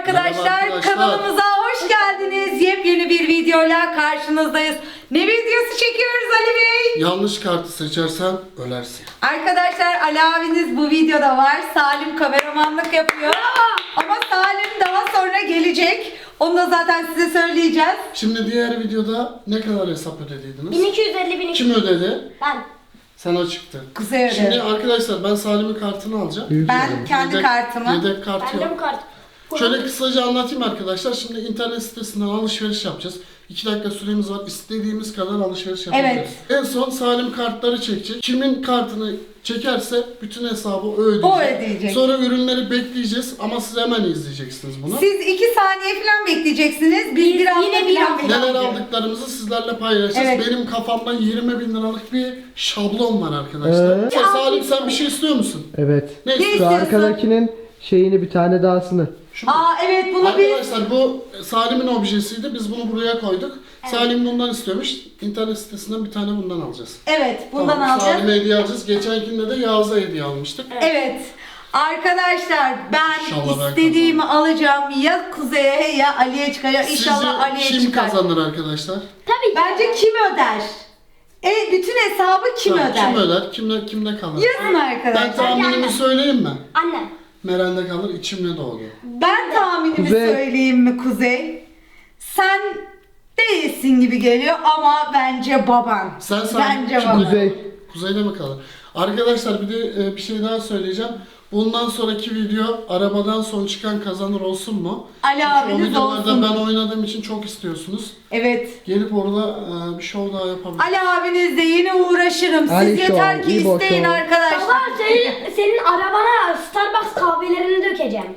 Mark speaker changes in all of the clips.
Speaker 1: arkadaşlar.
Speaker 2: Merhaba arkadaşlar.
Speaker 1: Kanalımıza hoş geldiniz. Yepyeni bir videoyla karşınızdayız. Ne videosu çekiyoruz Ali Bey?
Speaker 2: Yanlış kartı seçersen ölersin.
Speaker 1: Arkadaşlar Ali abiniz bu videoda var. Salim kameramanlık yapıyor. Ama Salim daha sonra gelecek. Onu da zaten size söyleyeceğiz.
Speaker 2: Şimdi diğer videoda ne kadar hesap ödediydiniz?
Speaker 3: 1250 bin.
Speaker 2: Kim ödedi?
Speaker 3: Ben.
Speaker 2: Sana çıktı.
Speaker 1: Kuzey ödedi.
Speaker 2: Şimdi arkadaşlar ben Salim'in kartını alacağım.
Speaker 1: Ben kendi kartımı.
Speaker 2: Yedek kartı
Speaker 3: Bende bu
Speaker 2: yok.
Speaker 3: kart.
Speaker 2: Şöyle kısaca anlatayım arkadaşlar. Şimdi internet sitesinden alışveriş yapacağız. 2 dakika süremiz var. İstediğimiz kadar alışveriş yapabiliriz. En son Salim kartları çekecek. Kimin kartını çekerse bütün hesabı o ödeyecek.
Speaker 1: O ödeyecek.
Speaker 2: Sonra ürünleri bekleyeceğiz ama siz hemen izleyeceksiniz bunu.
Speaker 1: Siz 2 saniye falan bekleyeceksiniz. Biz bir hafta
Speaker 3: yine bir
Speaker 1: falan
Speaker 3: hafta.
Speaker 2: Neler
Speaker 1: bekleyeceğiz.
Speaker 2: aldıklarımızı sizlerle paylaşacağız.
Speaker 1: Evet.
Speaker 2: Benim kafamda 20 bin liralık bir şablon var arkadaşlar.
Speaker 4: Evet.
Speaker 2: Salim sen bir şey istiyor musun?
Speaker 4: Evet.
Speaker 2: Ne
Speaker 1: Ne
Speaker 2: istiyorsun?
Speaker 4: Şu
Speaker 1: istiyorsun?
Speaker 4: arkadakinin şeyini bir tane dahasını.
Speaker 2: Şu mu?
Speaker 1: Aa evet bunu biz...
Speaker 2: Arkadaşlar bu Salim'in objesiydi. Biz bunu buraya koyduk. Salim bundan istiyormuş. İnternet sitesinden bir tane bundan alacağız.
Speaker 1: Evet bundan
Speaker 2: Tamam,
Speaker 1: alacağız.
Speaker 2: Salim'e hediye alacağız. Geçenkinde de Yağız'a hediye almıştık.
Speaker 1: Evet. Arkadaşlar ben
Speaker 2: İnşallah ben
Speaker 1: istediğimi alacağım. Ya Kuzey'e ya Ali'ye çıkacak. İnşallah
Speaker 2: Sizce
Speaker 1: Ali'ye
Speaker 2: kim
Speaker 1: çıkar.
Speaker 2: kazanır arkadaşlar?
Speaker 3: Tabii ki.
Speaker 1: Bence kim öder? Bütün hesabı kim
Speaker 2: Tamam,
Speaker 1: öder?
Speaker 2: kim öder? Kimde kalır?
Speaker 1: Yazın
Speaker 2: Ben
Speaker 1: arkadaşlar.
Speaker 2: tahminimi
Speaker 3: Yani.
Speaker 2: söyleyeyim mi?
Speaker 3: Annem.
Speaker 2: Meren'de kalır, içimde doğdu.
Speaker 1: Ben tahminimi
Speaker 4: Kuzey.
Speaker 1: söyleyeyim mi Kuzey? Sen değilsin gibi geliyor ama bence baban.
Speaker 2: Sen
Speaker 1: Bence
Speaker 2: kim
Speaker 1: baban.
Speaker 4: Kuzey.
Speaker 2: Kuzeyde mi kalır? Arkadaşlar bir de bir şey daha söyleyeceğim. Bundan sonraki video arabadan son çıkan kazanır olsun mu?
Speaker 1: Ali
Speaker 2: Çünkü
Speaker 1: abiniz
Speaker 2: o videolarda
Speaker 1: olsun.
Speaker 2: ben oynadığım için çok istiyorsunuz.
Speaker 1: Evet.
Speaker 2: Gelip orada bir show daha yapabiliriz.
Speaker 1: Ali abinizle yine uğraşırım. Siz
Speaker 4: Ali
Speaker 1: yeter
Speaker 4: Show,
Speaker 1: ki
Speaker 4: İbo
Speaker 1: isteyin
Speaker 4: Show.
Speaker 1: arkadaşlar.
Speaker 3: Baba senin arabana Starbucks kahvelerini dökeceğim.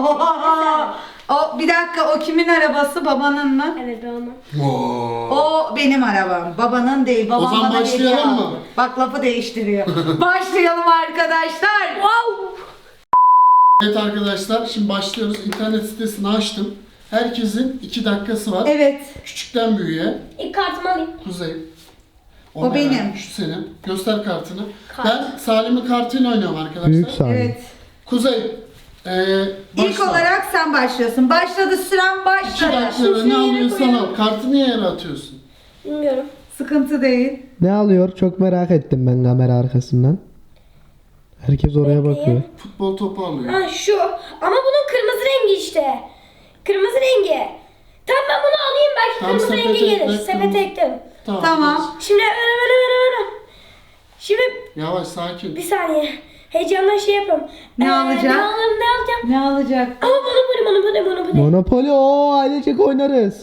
Speaker 1: O bir dakika o kimin arabası? Babanın mı?
Speaker 3: Evet ben onu.
Speaker 2: Oo.
Speaker 1: O benim arabam. Babanın değil. Babam
Speaker 2: O zaman
Speaker 1: bana hediye
Speaker 2: başlayalım mı?
Speaker 1: aldı. Bak lafı değiştiriyor. Başlayalım arkadaşlar.
Speaker 3: Wow.
Speaker 2: Evet arkadaşlar şimdi başlıyoruz. İnternet sitesini açtım. Herkesin 2 dakikası var.
Speaker 1: Evet.
Speaker 2: Küçükten büyüğe.
Speaker 3: İlk kartımı alayım.
Speaker 2: Kuzey.
Speaker 1: O
Speaker 2: Meren,
Speaker 1: benim.
Speaker 2: Şu senin. Göster kartını.
Speaker 3: Kart.
Speaker 2: Ben Salim'in kartıyla oynuyorum arkadaşlar.
Speaker 4: Büyük Salim.
Speaker 1: Evet.
Speaker 2: Kuzey.
Speaker 1: İlk
Speaker 2: başla.
Speaker 1: olarak sen başlıyorsun. Başladı süren
Speaker 2: 2
Speaker 1: başladı.
Speaker 2: dakikada ne
Speaker 3: Şuraya
Speaker 2: alıyorsan
Speaker 3: koyalım.
Speaker 2: al. Kartı niye yere atıyorsun?
Speaker 3: Bilmiyorum.
Speaker 1: Sıkıntı değil.
Speaker 4: Ne alıyor? Çok merak ettim ben kamera arkasından. Herkes oraya bakıyor.
Speaker 2: Futbol topu alıyor.
Speaker 3: Ha şu. Ama bunun kırmızı rengi işte. Kırmızı rengi. Tamam ben bunu alayım belki
Speaker 2: Tamam,
Speaker 3: kırmızı rengi
Speaker 2: sepete
Speaker 3: gelir.
Speaker 2: ekle,
Speaker 3: Sepete
Speaker 2: kırmızı.
Speaker 3: ekledim.
Speaker 1: Tamam.
Speaker 3: Şimdi öyle. Şimdi
Speaker 2: Yavaş sakin.
Speaker 3: bir saniye. Heyecanla şey yapalım.
Speaker 1: Ne alacak?
Speaker 3: Ne alacağım?
Speaker 1: Ne alacak?
Speaker 3: Ama bunu.
Speaker 4: Monopoly o ailecek oynarız.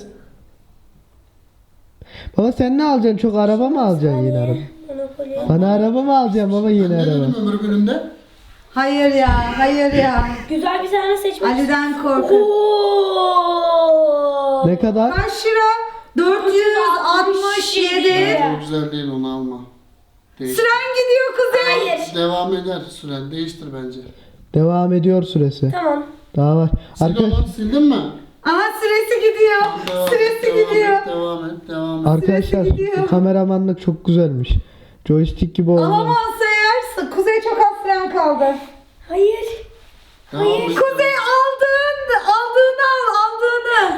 Speaker 4: Baba sen ne alacaksın? Çok araba mı alacaksın yine araba?
Speaker 3: Monopoly.
Speaker 4: Bana araba mı alacaksın baba yine
Speaker 2: Ne
Speaker 4: araba?
Speaker 2: dedim ömür bölümde?
Speaker 1: Hayır ya. Hayır ya.
Speaker 3: Güzel bir tane seçmek.
Speaker 1: Ali'den korkun.
Speaker 3: Oo.
Speaker 4: Ne kadar?
Speaker 1: Kaç lira? 467.
Speaker 2: Bence o güzel değil onu alma. Değiştir.
Speaker 1: Süren gidiyor Kuzey.
Speaker 3: Hayır.
Speaker 2: Devam eder süren. Değiştir bence.
Speaker 4: Devam ediyor süresi.
Speaker 3: Tamam.
Speaker 4: Daha var.
Speaker 2: Sil
Speaker 4: Arkadaş,
Speaker 2: onu, sildin mi?
Speaker 1: Aha süresi gidiyor. Süresi gidiyor.
Speaker 2: Devam et.
Speaker 4: arkadaşlar
Speaker 1: gidiyor.
Speaker 4: bu kameramanlık çok güzelmiş. Joystick gibi oldu.
Speaker 1: Alamazsa eğer Kuzey çok az süren kaldı.
Speaker 3: Hayır.
Speaker 2: Devam et.
Speaker 1: Kuzey aldığını al.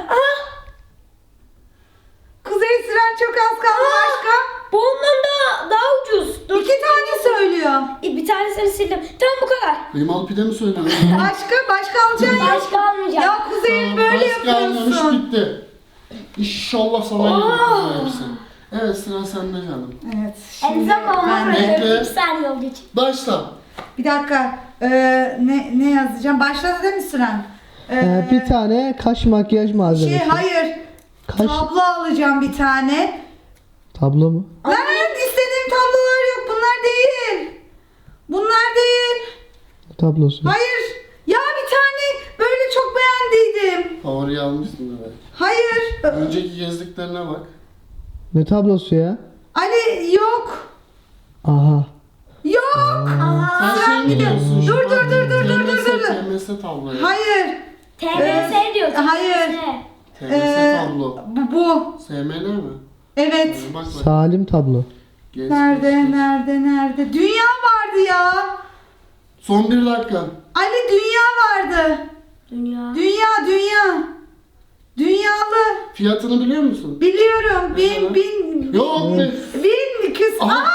Speaker 1: Kuzey süren çok az kaldı başka.
Speaker 3: Bu ondan daha ucuz. Dur.
Speaker 1: 2 tane söylüyor.
Speaker 3: Bir tanesini sildim. Tamam bu kadar.
Speaker 2: Kıymalı pide mi söylüyorsun?
Speaker 1: Başka alacaksın ya.
Speaker 3: Başka almayacağım.
Speaker 1: Ya Kuzey böyle
Speaker 2: Başka almamış
Speaker 1: yapıyorsun.
Speaker 2: bitti. İnşallah sana gelir hepsi. Evet sıra sende canım.
Speaker 1: Evet.
Speaker 3: En
Speaker 1: Şimdi
Speaker 3: zaman
Speaker 1: ben
Speaker 3: bana
Speaker 1: de.
Speaker 2: Bekle.
Speaker 3: 2 saniye olduğu için.
Speaker 2: Başla.
Speaker 1: Bir dakika. Ne yazacağım? Başladı değil mi süren?
Speaker 4: Bir tane kaş makyaj malzemesi.
Speaker 1: Hayır.
Speaker 4: Kaş
Speaker 1: Tablo alacağım bir tane.
Speaker 4: tablo mu?
Speaker 1: Lan istediğim tablolar yok. Bunlar değil. Bunlar değil.
Speaker 4: Tablosu.
Speaker 1: Hayır. Ya bir tane böyle çok beğendiydim.
Speaker 2: Favori almışsın evet.
Speaker 1: Hayır.
Speaker 2: Önceki gezdiklerine bak.
Speaker 4: Ne tablosu ya?
Speaker 1: Ali yok.
Speaker 4: Aha.
Speaker 1: Yok.
Speaker 2: Sen şey mi diyorsun? şu
Speaker 1: Dur,
Speaker 2: an
Speaker 1: dur.
Speaker 2: TMS tabloyu.
Speaker 1: Hayır.
Speaker 3: TBS diyor.
Speaker 1: hayır.
Speaker 3: TBS.
Speaker 2: TMS tablo.
Speaker 1: Bu.
Speaker 2: SMN mi?
Speaker 1: Evet.
Speaker 2: Bak bak.
Speaker 4: Salim tablo.
Speaker 2: Geç,
Speaker 1: Nerede,
Speaker 2: geç, geç.
Speaker 1: nerede? Dünya vardı ya.
Speaker 2: Son 1 dakika.
Speaker 1: Ali dünya vardı.
Speaker 3: Dünya.
Speaker 1: Dünya.
Speaker 2: Fiyatını biliyor musun?
Speaker 1: Biliyorum. Bin
Speaker 2: Yok be.
Speaker 1: Aha.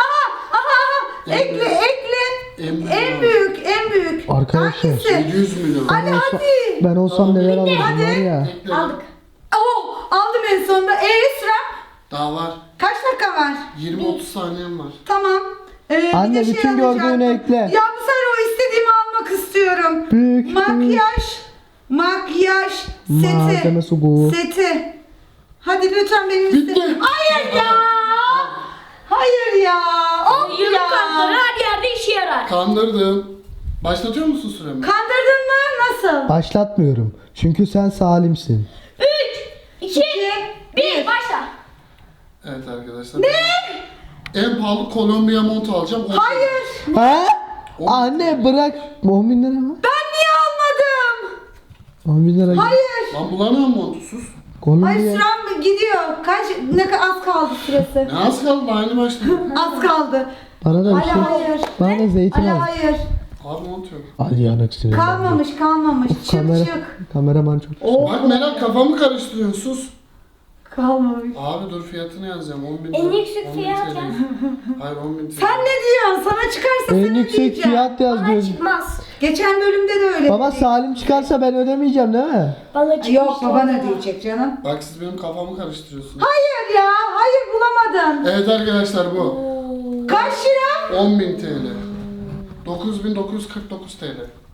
Speaker 1: Ekle. En büyük.
Speaker 4: Arkadaşlar,
Speaker 1: Hangisi?
Speaker 2: 700 milyon.
Speaker 1: Hadi hadi.
Speaker 4: Ben olsam neler alırdım var ya.
Speaker 2: Ekle.
Speaker 3: Aldık.
Speaker 1: Oh, aldım en sonunda. Sıra.
Speaker 2: Daha var.
Speaker 1: Kaç dakika var?
Speaker 2: 20-30 saniyem var.
Speaker 1: Tamam. Bir
Speaker 4: Anne,
Speaker 1: de
Speaker 4: bütün
Speaker 1: alacaktım.
Speaker 4: gördüğünü ekle.
Speaker 1: Ya bu sefer o istediğimi almak istiyorum.
Speaker 4: Büyük,
Speaker 1: Makyaj
Speaker 4: Malzemesi bu.
Speaker 1: seti. Hadi lütfen benim
Speaker 2: Bitti.
Speaker 1: Hayır ya. Hayır ya. Of
Speaker 3: Yıllık
Speaker 1: ya.
Speaker 3: kartları her yerde işe yarar.
Speaker 2: Kandırdım. Başlatıyor musun süremi?
Speaker 1: Kandırdın mı? Nasıl?
Speaker 4: Başlatmıyorum. Çünkü sen salimsin.
Speaker 3: 3, 2, 1 başla.
Speaker 2: Evet arkadaşlar. Ne? En pahalı Kolombiya mont alacağım.
Speaker 1: Hayır.
Speaker 4: Ha? Anne bırak. 10 bin lira mı?
Speaker 1: Ben niye almadım?
Speaker 4: 10 bin lira.
Speaker 1: Hayır.
Speaker 2: Lan bulamıyorum montu sus.
Speaker 1: Ay
Speaker 4: Kolombiya.
Speaker 1: sürem gidiyor. Ne kadar az kaldı süresi.
Speaker 2: Ne az kaldı aynı başladı.
Speaker 1: Az kaldı.
Speaker 4: Bana da bir
Speaker 1: Ali
Speaker 4: şey.
Speaker 1: hayır.
Speaker 4: Bana da zeytin
Speaker 1: Ali
Speaker 4: al.
Speaker 1: hayır.
Speaker 2: Abi mont yok.
Speaker 4: Ali yanık sinirlendi.
Speaker 1: Kalmamış. Çık.
Speaker 4: Kameraman çok.
Speaker 2: Bak Meral kafamı karıştırıyorsun sus.
Speaker 1: Kalmamış.
Speaker 2: Abi dur fiyatını yazacağım 10 bin
Speaker 3: En
Speaker 2: lira.
Speaker 3: yüksek
Speaker 2: 10 bin
Speaker 3: fiyat
Speaker 2: TL.
Speaker 3: yaz.
Speaker 2: Hayır 10 bin TL.
Speaker 1: Sen ne diyorsun? Sana çıkarsa
Speaker 4: En
Speaker 1: sana
Speaker 4: yüksek
Speaker 1: diyeceğim.
Speaker 4: fiyat yaz
Speaker 3: Bana
Speaker 4: diyorsun.
Speaker 3: çıkmaz.
Speaker 1: Geçen bölümde de öyle.
Speaker 4: Baba
Speaker 1: dedik.
Speaker 4: Salim çıkarsa ben ödemeyeceğim değil mi?
Speaker 3: Bana çıkmış.
Speaker 1: Yok baban ödeyecek canım.
Speaker 2: Bak siz benim kafamı karıştırıyorsunuz.
Speaker 1: Hayır ya. Hayır bulamadın.
Speaker 2: Evet arkadaşlar bu.
Speaker 1: Kaç lira?
Speaker 2: 10 bin TL. 9949 TL.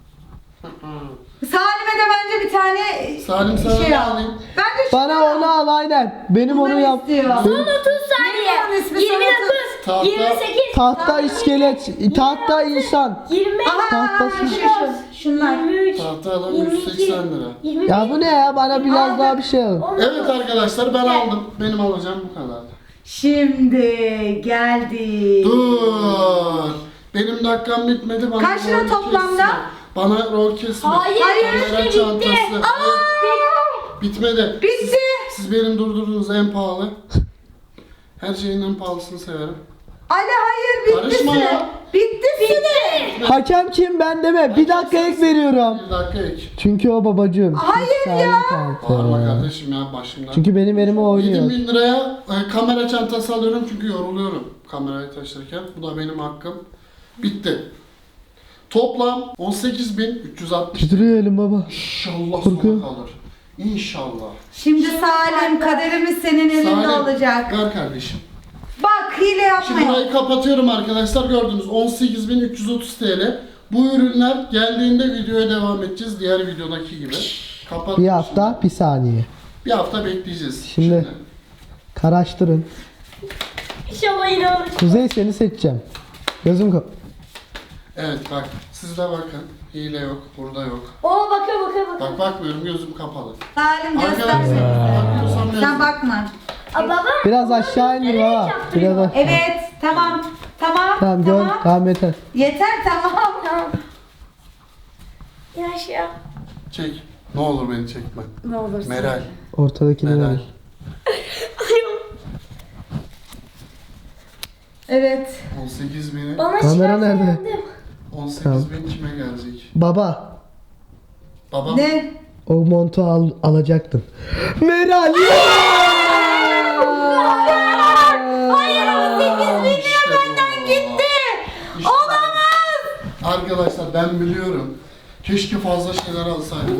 Speaker 1: Salim'e de bence bir tane
Speaker 2: Salim sana
Speaker 1: şey
Speaker 2: ne
Speaker 1: al.
Speaker 2: alayım?
Speaker 1: Ben de şunu
Speaker 4: Bana
Speaker 1: al.
Speaker 4: onu al aynen. Benim
Speaker 1: Bunları
Speaker 4: onu yap.
Speaker 1: istiyor.
Speaker 3: Son 30
Speaker 1: Neydi onun
Speaker 3: saniye.
Speaker 1: ismi?
Speaker 3: 29,
Speaker 2: Tahta.
Speaker 3: 28,
Speaker 4: Tahta iskelet, tahta insan.
Speaker 3: 25,
Speaker 1: Aha,
Speaker 4: Tahtası.
Speaker 1: şunlar.
Speaker 3: 23,
Speaker 2: Tahta alan
Speaker 3: 22,
Speaker 2: 180 lira.
Speaker 3: 25.
Speaker 4: Ya bu ne ya? Bana biraz daha bir şey al.
Speaker 2: Evet arkadaşlar ben aldım. Benim alacağım bu kadar.
Speaker 1: Şimdi geldi.
Speaker 2: Dur. Benim dakikam bitmedi. Bana
Speaker 1: Kaç lira
Speaker 2: rol
Speaker 1: toplamda?
Speaker 2: kesme. Bana rol kesme.
Speaker 3: Hayır,
Speaker 2: Kamera
Speaker 3: bitti.
Speaker 2: çantası.
Speaker 1: Aa,
Speaker 2: Bitmedi.
Speaker 1: bitti.
Speaker 2: Siz benim durdurdunuz en pahalı. Her şeyin en pahalısını severim.
Speaker 1: Ali hayır bitti
Speaker 2: Karışma
Speaker 1: süre.
Speaker 2: ya.
Speaker 1: Bitti süre.
Speaker 4: Hakem kim ben deme. Bir dakika ek veriyorum.
Speaker 2: Bir dakika ek.
Speaker 4: Çünkü o babacığım.
Speaker 1: Hayır
Speaker 4: Salim
Speaker 1: ya.
Speaker 4: kartı.
Speaker 2: Bağırma kardeşim ya başımdan.
Speaker 4: Çünkü benim elime oynuyor.
Speaker 2: 7000 liraya kamera çantası alıyorum çünkü yoruluyorum kamerayı taşırken. Bu da benim hakkım. Bitti. Toplam 18.360.
Speaker 4: Titriyor elim baba.
Speaker 2: İnşallah
Speaker 4: Korkuyorum.
Speaker 2: sona kalır. İnşallah.
Speaker 1: Şimdi Salim kaderimiz senin elinde
Speaker 2: Salim,
Speaker 1: olacak.
Speaker 2: ver kardeşim.
Speaker 1: Bak hile
Speaker 2: Şimdi
Speaker 1: yapmayın.
Speaker 2: burayı kapatıyorum arkadaşlar. Gördünüz 18.330 TL. Bu ürünler geldiğinde videoya devam edeceğiz. Diğer videodaki gibi. Kapat.
Speaker 4: Bir hafta bir saniye.
Speaker 2: Bir hafta bekleyeceğiz.
Speaker 4: Şimdi. Karaştırın.
Speaker 3: İnşallah yine olur.
Speaker 4: Kuzey seni seçeceğim. Gözüm kap.
Speaker 2: Evet bak. Siz de bakın. Hile yok. Burada yok.
Speaker 3: Oo bakıyor.
Speaker 2: Bak bakmıyorum gözüm kapalı.
Speaker 1: Salim
Speaker 2: Arkadaşlar
Speaker 1: göster.
Speaker 2: bakmıyorsam
Speaker 1: Sen
Speaker 2: yazın.
Speaker 1: bakma.
Speaker 3: Aa, baba.
Speaker 4: Biraz aşağı indir baba. Biraz aşağı.
Speaker 1: Evet tamam.
Speaker 4: Tamam gör. Tamam yeter.
Speaker 1: Yeter tamam.
Speaker 3: Tamam. Yaşa.
Speaker 2: Çek. Ne olur beni çekme.
Speaker 1: Ne olursun.
Speaker 2: Meral.
Speaker 4: Ortadakini
Speaker 2: Meral.
Speaker 4: ver.
Speaker 1: Evet.
Speaker 2: 18.000'i.
Speaker 3: Bana
Speaker 4: Kamera
Speaker 3: çıkarsa
Speaker 4: nerede?
Speaker 3: yandım.
Speaker 2: 18.000 kime gelecek?
Speaker 4: Baba.
Speaker 2: Babam.
Speaker 1: Ne?
Speaker 4: O montu alacaktın. Meral.
Speaker 1: Hayır 18.000 lira
Speaker 2: İşte bu.
Speaker 1: benden gitti.
Speaker 2: İşte
Speaker 1: Olamaz.
Speaker 2: Arkadaşlar ben biliyorum. Keşke fazla şeyler alsaydım.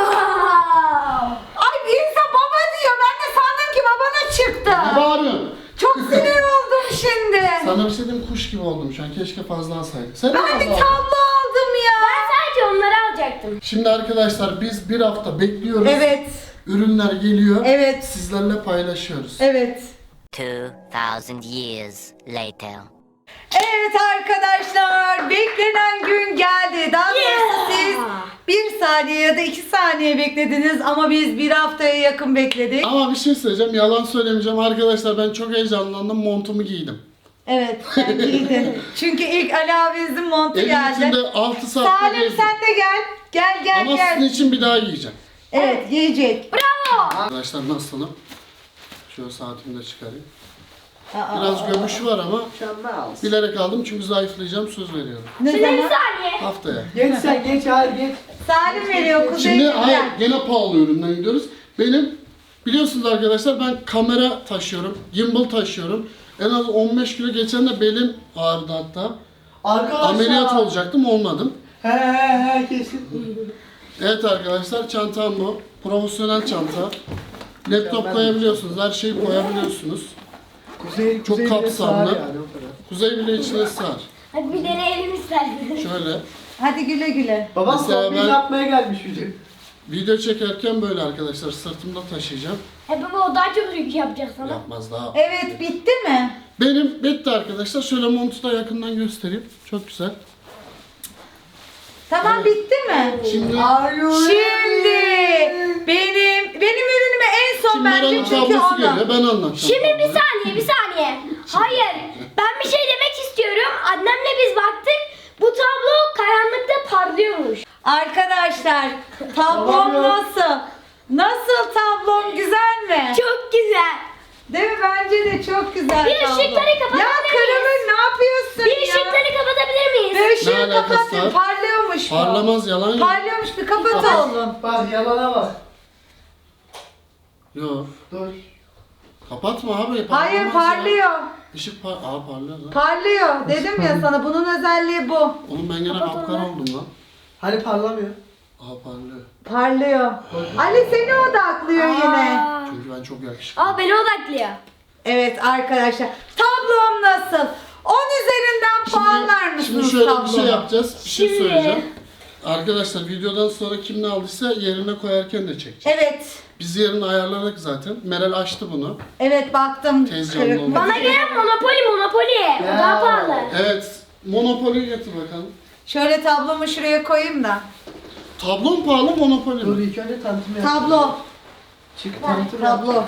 Speaker 1: Ay bir insan baba diyor. Ben de sandım ki babana
Speaker 2: Ne
Speaker 1: çıktı.
Speaker 2: bağırıyorsun?
Speaker 1: Çok sinir oldum şimdi.
Speaker 2: Sana bir şey diyeyim kuş gibi oldum şu an. Keşke fazla alsaydık. Sen de
Speaker 1: Ben bir
Speaker 2: fazla al.
Speaker 1: tablo aldım ya.
Speaker 3: Ben sadece onları alacaktım.
Speaker 2: Şimdi arkadaşlar biz bir hafta bekliyoruz.
Speaker 1: Evet.
Speaker 2: Ürünler geliyor.
Speaker 1: Evet.
Speaker 2: Sizlerle paylaşıyoruz.
Speaker 1: Evet.
Speaker 5: 2,000 years later.
Speaker 1: Evet arkadaşlar beklenen gün geldi. Daha doğrusu siz 1 saniye ya da 2 saniye beklediniz ama biz bir haftaya yakın bekledik.
Speaker 2: Ama bir şey söyleyeceğim. Yalan söylemeyeceğim. Arkadaşlar ben çok heyecanlandım. Montumu giydim.
Speaker 1: Evet sen giydin. Çünkü ilk Ali abimizin montu
Speaker 2: Evin
Speaker 1: geldi.
Speaker 2: içinde 6 saatte
Speaker 1: Salim
Speaker 2: gezdim.
Speaker 1: sen de gel. Gel
Speaker 2: Ama
Speaker 1: gel.
Speaker 2: sizin için bir daha giyeceğim.
Speaker 1: Evet giyecek.
Speaker 2: Arkadaşlar nasılım? Şöyle saatimi de çıkarayım. Biraz göbüş var ama bilerek aldım çünkü zayıflayacağım söz veriyorum.
Speaker 1: Ne
Speaker 3: Şimdi bir
Speaker 1: zaman?
Speaker 3: saniye.
Speaker 2: Haftaya.
Speaker 4: Geç sen geç hadi geç.
Speaker 1: Salim veriyor Kuzey.
Speaker 2: Şimdi hayır
Speaker 1: gel.
Speaker 2: gene pahalı üründen gidiyoruz. Benim Biliyorsunuz arkadaşlar ben kamera taşıyorum, gimbal taşıyorum. En az 15 kilo geçen de belim ağrıdı hatta.
Speaker 4: Arkadaşlar.
Speaker 2: Ameliyat olacaktım, olmadım.
Speaker 4: He kesin.
Speaker 2: Evet arkadaşlar, çantam bu. Profesyonel çanta. Laptop koyabiliyorsunuz, her şeyi koyabiliyorsunuz.
Speaker 4: Kuzey,
Speaker 2: Çok
Speaker 4: bile
Speaker 2: kapsamlı.
Speaker 4: sığar yani, o kadar.
Speaker 2: Kuzey bile içine sığar.
Speaker 3: Hadi bir deneyelim istersen.
Speaker 2: Şöyle,
Speaker 1: Hadi güle güle.
Speaker 4: Babam
Speaker 2: Mesela
Speaker 4: kombin
Speaker 2: ben-
Speaker 4: yapmaya gelmiş bizim.
Speaker 2: video çekerken böyle arkadaşlar sırtımda taşıyacağım.
Speaker 3: Baba o daha çok yük yapacak sana.
Speaker 2: Yapmaz daha.
Speaker 1: Evet bitti mi?
Speaker 2: Benim bitti arkadaşlar. Şöyle montu da yakından göstereyim. Çok güzel.
Speaker 1: Tamam bitti mi?
Speaker 2: Şimdi
Speaker 1: Şimdi benim ürünüme en son bence
Speaker 2: Meral'in
Speaker 1: çünkü
Speaker 2: tablosu
Speaker 1: onu.
Speaker 2: geliyor. Ben anlatacağım.
Speaker 3: Şimdi bir saniye. Hayır. Ben bir şey demek istiyorum. Annemle biz baktık. Bu tablo karanlıkta parlıyormuş.
Speaker 1: Arkadaşlar tablom nasıl? Nasıl tablom, güzel mi?
Speaker 3: Çok güzel.
Speaker 1: Değil mi? Bence de çok güzel
Speaker 3: Bir
Speaker 1: tablo.
Speaker 3: ışıkları kapatabilir
Speaker 1: Ya
Speaker 3: miyiz?
Speaker 1: Kırım'ın ne yapıyorsun
Speaker 3: Bir
Speaker 1: ya?
Speaker 3: ışıkları kapatabilir miyiz?
Speaker 1: Bir ışığı
Speaker 2: Ne alakası
Speaker 1: kapatın.
Speaker 2: var?
Speaker 1: Parlıyormuş bu.
Speaker 2: Parlamaz, yalan yok.
Speaker 1: Parlıyormuş, bir kapat oğlum.
Speaker 4: Bak yalana bak.
Speaker 2: Yok.
Speaker 4: Dur.
Speaker 2: Kapatma abi.
Speaker 1: Hayır
Speaker 2: parlamaz ya.
Speaker 1: parlıyor.
Speaker 2: Işık parlıyor lan.
Speaker 1: Parlıyor. Dedim ya sana, bunun özelliği bu.
Speaker 2: Oğlum ben gene
Speaker 3: Kapat
Speaker 2: kapkara
Speaker 3: onu.
Speaker 2: oldum lan.
Speaker 4: Hani parlamıyor.
Speaker 2: Aha parlıyor.
Speaker 1: Parlıyor. Ali seni odaklıyor yine.
Speaker 3: Aa.
Speaker 2: Çünkü ben çok yakışıklı.
Speaker 3: Aa beni odaklıyor.
Speaker 1: Evet arkadaşlar. Tablom nasıl? 10 üzerinden puanlar
Speaker 2: Şimdi
Speaker 1: mısınız
Speaker 2: şöyle
Speaker 1: tabloma?
Speaker 2: bir şey yapacağız. Bir şey
Speaker 3: Şimdi-
Speaker 2: söyleyeceğim. Arkadaşlar videodan sonra kim ne aldıysa yerine koyarken de çekeceğiz.
Speaker 1: Evet.
Speaker 2: Biz yerini ayarladık zaten. Meral açtı bunu.
Speaker 1: Evet baktım.
Speaker 2: Tez
Speaker 1: Kırık
Speaker 2: canlı
Speaker 1: mı?
Speaker 2: oldu.
Speaker 3: Bana gelen Monopoly. O
Speaker 4: Ya.
Speaker 3: daha pahalı.
Speaker 2: Evet. Monopoly getir bakalım.
Speaker 1: Şöyle tablomu şuraya koyayım da.
Speaker 2: Tablo mu pahalı, Monopoly
Speaker 4: Dur
Speaker 2: mi?
Speaker 4: ilk önce tanıtım yap.
Speaker 1: Tablo.
Speaker 4: Çık tanıtım yap.
Speaker 1: Tablo.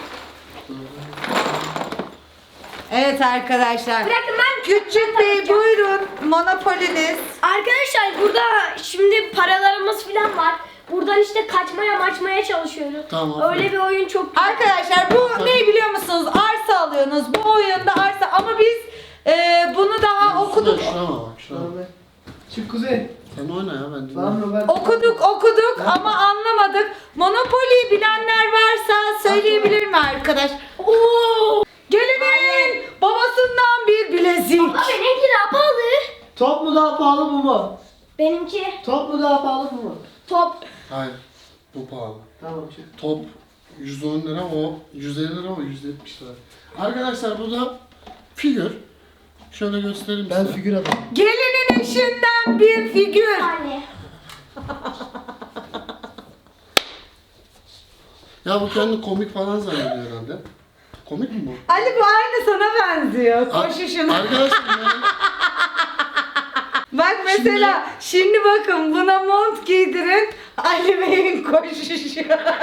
Speaker 1: Evet arkadaşlar.
Speaker 3: Bırakın ben
Speaker 1: Küçük Bey buyurun. Monopoliniz.
Speaker 3: Arkadaşlar burada şimdi paralarımız falan var. Buradan işte kaçmaya çalışıyoruz.
Speaker 2: Tamam.
Speaker 3: Öyle bir oyun çok güzel.
Speaker 1: Arkadaşlar bu ne biliyor musunuz? Arsa alıyorsunuz. Bu oyunda arsa ama biz bunu daha okuduk.
Speaker 2: Şuna bak, şuna bak.
Speaker 4: Tamam. Çık Kuzey.
Speaker 2: Sen oyna ya, ben
Speaker 4: Lan
Speaker 2: dinliyorum.
Speaker 4: Robert.
Speaker 1: Okuduk ama anlamadık. Monopoly'yi bilenler varsa söyleyebilir mi arkadaş? Oo! Gelinin babasından bir bilezik.
Speaker 3: Ama benimki daha pahalı.
Speaker 4: Top mu daha pahalı bu mu?
Speaker 3: Benimki
Speaker 4: Top mu daha pahalı bu mu?
Speaker 3: top.
Speaker 2: Hayır. Bu pahalı.
Speaker 4: Tamam çık.
Speaker 2: Top 110 lira, o 150 lira, o 170 lira. Arkadaşlar bu da figür. Şöyle göstereyim
Speaker 4: Ben
Speaker 2: size.
Speaker 4: figür adamım.
Speaker 1: Gelinin eşinden bir figür.
Speaker 3: Yani.
Speaker 2: Ya bu kendi komik falan zannediyor herhalde. Komik mi bu?
Speaker 1: Ali bu aynı sana benziyor.
Speaker 2: Ar-
Speaker 1: Koşuşun.
Speaker 2: Arkadaşlar yani
Speaker 1: Bak mesela şimdi bakın buna mont giydirin. Ali Bey'in koşuşu.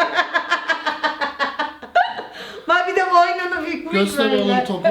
Speaker 1: Bak bir de boynunu bükmüş
Speaker 2: göster oğlum
Speaker 1: böyle.
Speaker 2: topu.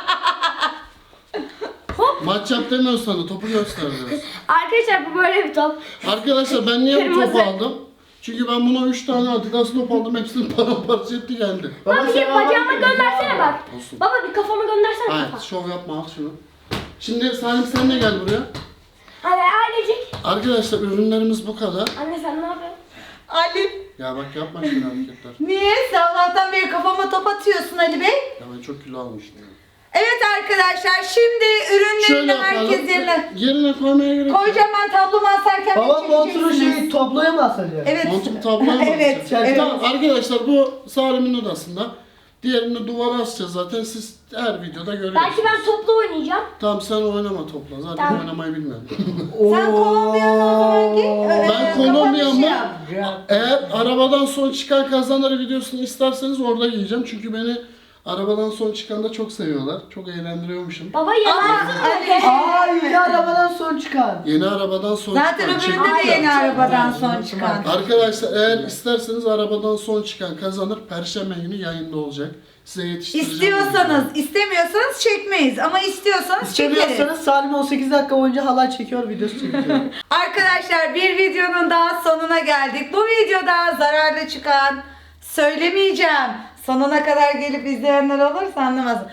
Speaker 2: Maç yap demiyoruz sana, topu göster diyoruz.
Speaker 3: Arkadaşlar bu böyle bir top.
Speaker 2: Arkadaşlar ben niye bu
Speaker 3: Kırmızı.
Speaker 2: topu aldım? Çünkü ben buna 3 tane Adidas top aldım, hepsini paramparça etti geldi.
Speaker 3: Baba bir
Speaker 4: sen
Speaker 3: bacağımı
Speaker 4: al.
Speaker 3: göndersene bak.
Speaker 2: Olsun.
Speaker 3: Baba bir kafamı göndersene
Speaker 2: Hayır,
Speaker 3: kafa.
Speaker 2: şov yapma, al şunu. Şimdi Salim sen de gel buraya.
Speaker 3: Hadi ailecek.
Speaker 2: Arkadaşlar ürünlerimiz bu kadar.
Speaker 3: Anne sen ne yapıyorsun?
Speaker 1: Ali
Speaker 2: Ya bak yapma şöyle hareketler.
Speaker 1: niye? Sabahtan beri kafama top atıyorsun Ali Bey.
Speaker 2: Ya ben çok kilo almıştım.
Speaker 1: Evet arkadaşlar şimdi ürünlerini
Speaker 2: Şöyle yapalım.
Speaker 1: herkes yerine
Speaker 2: Yerine koymaya gerek yok.
Speaker 1: koyacağım, ben tablomu asarken
Speaker 4: Babam
Speaker 1: beni
Speaker 4: montunu
Speaker 1: çekeceksiniz.
Speaker 4: şey tabloya mı asacak?
Speaker 1: Evet.
Speaker 2: Montumu tabloya mı
Speaker 1: Evet,
Speaker 2: asacağız?
Speaker 1: evet.
Speaker 2: Tamam arkadaşlar bu Salim'in odasında. Diğerini duvara asacağız zaten, siz her videoda görüyorsunuz.
Speaker 3: Belki ben topla oynayacağım.
Speaker 2: Tamam sen oynama topla, zaten
Speaker 3: Tamam.
Speaker 2: oynamayı bilmiyorum.
Speaker 1: Sen Kolombiyalı o zaman git.
Speaker 2: Ben Kolombiya mı?
Speaker 1: yap.
Speaker 2: Eğer arabadan son çıkan kazanır videosunu isterseniz orada yiyeceğim. Çünkü beni arabadan son çıkanda çok seviyorlar. Çok eğlendiriyormuşum.
Speaker 3: Baba yalan.
Speaker 4: Aa yeni arabadan son çıkan.
Speaker 2: Yeni arabadan son
Speaker 1: Zaten
Speaker 2: çıkan.
Speaker 1: öbüründe
Speaker 2: çektik
Speaker 1: de
Speaker 2: ya.
Speaker 1: yeni arabadan son çıkan.
Speaker 2: Arkadaşlar eğer isterseniz arabadan son çıkan kazanır. Perşembe günü yayında olacak. Size yetiştireceğim.
Speaker 1: İstiyorsanız, istemiyorsanız çekmeyiz ama istiyorsanız çekeriz.
Speaker 4: İstemiyorsanız Salim 18 dakika boyunca halay çekiyor, videosu çekiyor.
Speaker 1: Arkadaşlar bir videonun daha sonuna geldik. Bu videoda zararlı çıkan söylemeyeceğim. Sonuna kadar gelip izleyenler olursa anlamaz.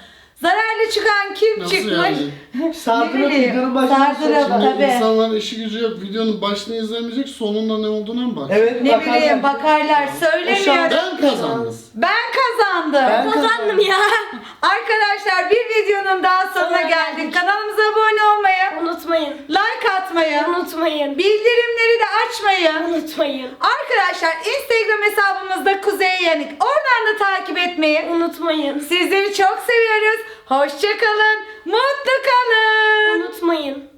Speaker 1: Zararlı çıkan kim
Speaker 2: Nasıl
Speaker 1: çıkmış?
Speaker 2: yani?
Speaker 4: Sardırıp
Speaker 1: bileyim,
Speaker 4: videonun başına
Speaker 1: sardırıp.
Speaker 2: Şimdi
Speaker 1: Tabii.
Speaker 2: insanların işi gücü yok. Videonun başını izlemeyecek, sonunda ne olduğuna mı bak?
Speaker 4: Evet,
Speaker 1: Ne
Speaker 4: bakarlar.
Speaker 1: bileyim bakarlar söylemiyor.
Speaker 2: Ben kazandım.
Speaker 1: Ben kazandım.
Speaker 4: Ben
Speaker 3: Kazandım ya.
Speaker 1: Arkadaşlar bir videonun daha sonuna geldik. Kanalımıza abone olmayı,
Speaker 3: Unutmayın.
Speaker 1: like atmayı,
Speaker 3: Unutmayın.
Speaker 1: bildirimleri de açmayı.
Speaker 3: Unutmayın.
Speaker 1: Arkadaşlar Instagram hesabımızda Kuzey Yanık. Oradan da takip etmeyi.
Speaker 3: Unutmayın.
Speaker 1: Sizleri çok seviyoruz. Hoşça kalın. Mutlu kalın.
Speaker 3: Unutmayın.